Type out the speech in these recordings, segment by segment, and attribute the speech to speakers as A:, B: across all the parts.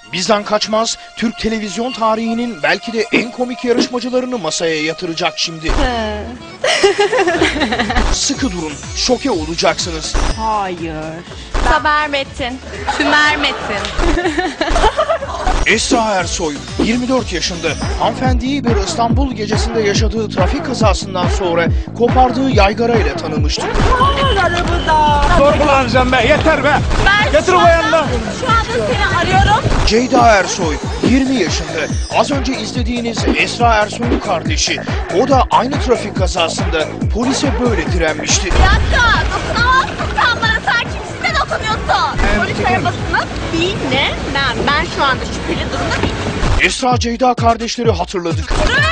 A: Bizden kaçmaz, Türk televizyon tarihinin belki de en komik yarışmacılarını masaya yatıracak şimdi. Sıkı durun, şoke olacaksınız.
B: Hayır.
C: Saber Metin. Tümer Metin.
A: Esra Ersoy, 24 yaşında. Hanımefendiyi bir İstanbul gecesinde yaşadığı trafik kazasından sonra kopardığı yaygara ile tanımıştı.
D: Sorgulanacağım be, yeter be. Getir o yanına.
C: Şu anda seni arıyorum.
A: Ceyda Ersoy, 20 yaşında. Az önce izlediğiniz Esra Ersoy'un kardeşi. O da aynı trafik kazasında polise böyle direnmişti.
C: Bir dakika. Dokunamazsın sen bana. Sen kimsin de dokunuyorsun? Polis arabasının dinle. Ben şu anda şüpheli durumda değilim.
A: Esra Ceyda kardeşleri hatırladık.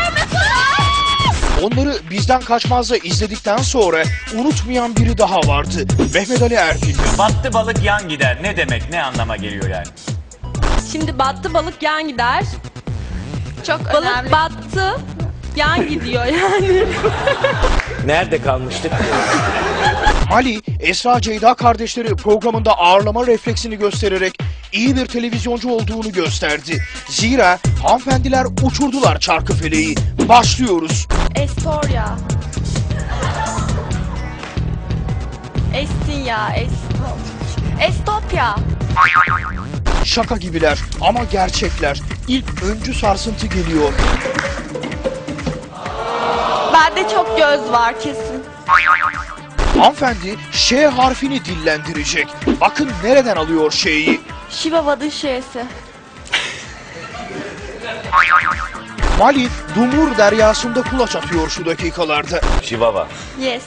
A: Onları Bizden Kaçmaz'da izledikten sonra unutmayan biri daha vardı. Mehmet Ali Erbil.
E: Battı balık yan gider. Ne demek? Ne anlama geliyor yani?
B: Şimdi battı balık yan gider.
C: Çok
B: Balık
C: önemli.
B: battı yan gidiyor yani.
E: Nerede kalmıştık?
A: Ali, Esra Ceyda kardeşleri programında ağırlama refleksini göstererek iyi bir televizyoncu olduğunu gösterdi. Zira hanımefendiler uçurdular Çarkıfele'yi. Başlıyoruz.
B: Estoria. Estinya. Estopya.
A: Şaka gibiler ama gerçekler. İlk öncü sarsıntı geliyor.
B: Bende çok göz var kesin.
A: Hanımefendi Ş harfini dillendirecek. Bakın nereden alıyor Ş'yi.
B: Şivava'nın şeysi.
A: Mali, Dumur deryasında kulaç atıyor şu dakikalarda.
E: Şivava.
B: Yes.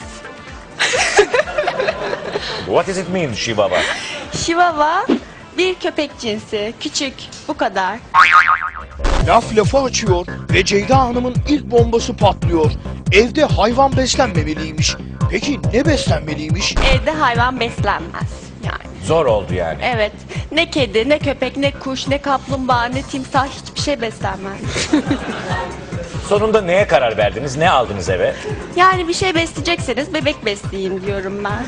E: What does it mean Şivava?
B: Şivava bir köpek cinsi. Küçük. Bu kadar.
A: Laf lafa açıyor ve Ceyda Hanım'ın ilk bombası patlıyor. Evde hayvan beslenmemeliymiş. Peki ne beslenmeliymiş?
B: Evde hayvan beslenmez. Yani.
E: Zor oldu yani.
B: Evet. Ne kedi, ne köpek, ne kuş, ne kaplumbağa, ne timsah hiçbir şey beslenmez.
E: Sonunda neye karar verdiniz? Ne aldınız eve?
B: Yani bir şey besleyecekseniz bebek besleyin diyorum ben.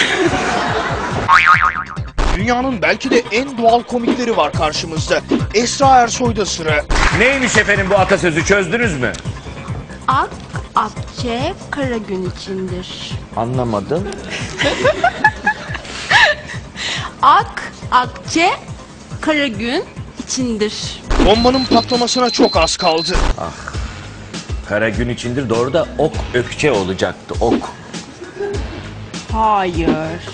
A: Dünyanın belki de en doğal komikleri var karşımızda. Esra Ersoy'da sıra.
E: Neymiş efendim bu atasözü, çözdünüz mü?
B: Ak, akçe, kara gün içindir.
E: Anlamadım.
B: Ak, akçe, kara gün içindir.
A: Bombanın patlamasına çok az kaldı.
E: Kara gün içindir, doğru da ok ökçe olacaktı, ok.
B: Hayır.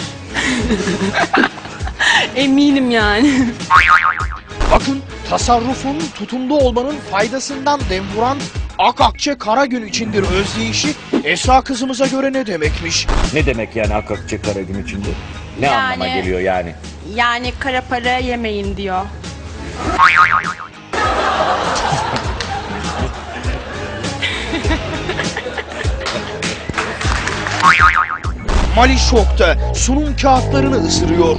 B: Eminim yani.
A: Bakın tasarrufun, tutumlu olmanın faydasından dem vuran ak akçe kara gün içindir özdeyişi Esra kızımıza göre ne demekmiş?
E: Ne demek yani ak ökçe kara gün içindir? Ne
B: Yani-
E: anlama geliyor yani?
B: Yani kara para yemeyin diyor.
A: Mali şokta, sunum kağıtlarını ısırıyor.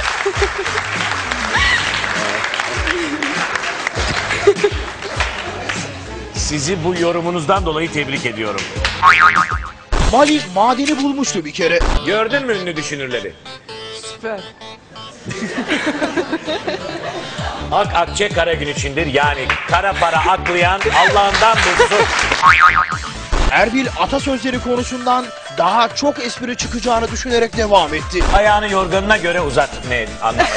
E: Sizi bu yorumunuzdan dolayı tebrik ediyorum.
A: Mali madeni bulmuştu bir kere.
E: Gördün mü ünlü düşünürleri?
B: Süper.
E: Ak akçe kara gün içindir, yani kara para aklayan Allah'ından bulsun.
A: Erbil atasözleri konusundan daha çok espri çıkacağını düşünerek devam etti.
E: Ayağını yorganına göre uzat. Ne anlamadım.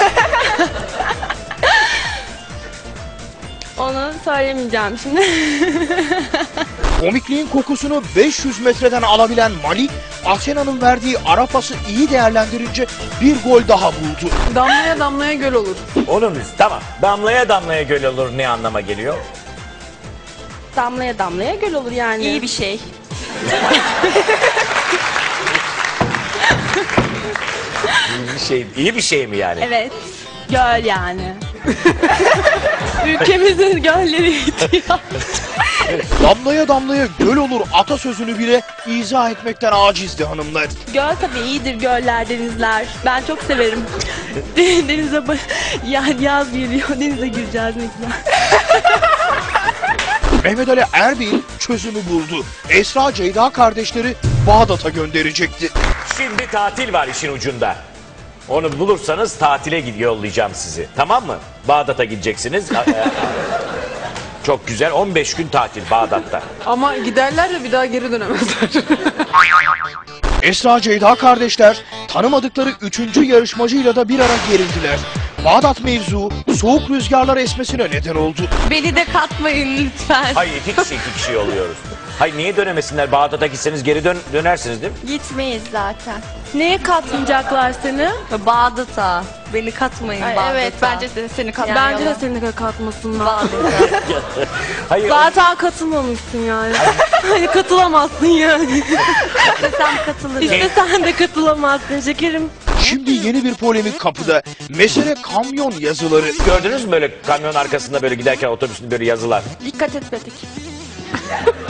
B: Onu söylemeyeceğim şimdi.
A: Komikliğin kokusunu 500 metreden alabilen Mali, Athena'nın verdiği ara pası iyi değerlendirince bir gol daha buldu.
F: Damlaya damlaya göl olur.
E: Oğlum tamam. Damlaya damlaya göl olur ne anlama geliyor?
B: Damlaya damlaya göl olur yani. İyi bir şey.
E: İyi bir şey mi yani?
B: Evet. Göl yani. Ülkemizin gölleri ihtiyaç.
A: Damlaya damlaya göl olur atasözünü bile izah etmekten acizdi hanımlar.
B: Göl tabii iyidir, göller, denizler. Ben çok severim. Denize yaz geliyor, denize gireceğiz ne güzel.
A: Mehmet Ali Erbil çözümü buldu. Esra Ceyda kardeşleri Bağdat'a gönderecekti.
E: Şimdi tatil var işin ucunda. Onu bulursanız tatile yollayacağım sizi. Tamam mı? Bağdat'a gideceksiniz. Çok güzel. 15 gün tatil Bağdat'ta.
F: Ama giderler de bir daha geri dönemezler.
A: Esra Ceyda kardeşler tanımadıkları 3. yarışmacıyla da bir ara gerildiler. Bağdat mevzu soğuk rüzgarlar esmesine neden oldu.
B: Beni de katmayın lütfen.
E: Hayır iki kişi oluyoruz. Hayır niye dönemesinler? Bağdat'a gitseniz geri dönersiniz değil mi?
C: Gitmeyiz zaten.
B: Neye katmayacaklar seni?
C: Bağdat'a. Beni katmayın Bağdat'a.
B: Evet bence de seni katmayalım. Bence de seni katmasınlar.
E: Hayır.
B: Zaten katılmamışsın yani. Hani katılamazsın yani.
C: İstesem katılırım.
B: İstesen de katılamazsın şekerim.
A: Şimdi yeni bir polemik kapıda. Mesele kamyon yazıları.
E: Gördünüz mü böyle kamyon arkasında böyle giderken otobüsün böyle yazılar?
B: Dikkat etmedik.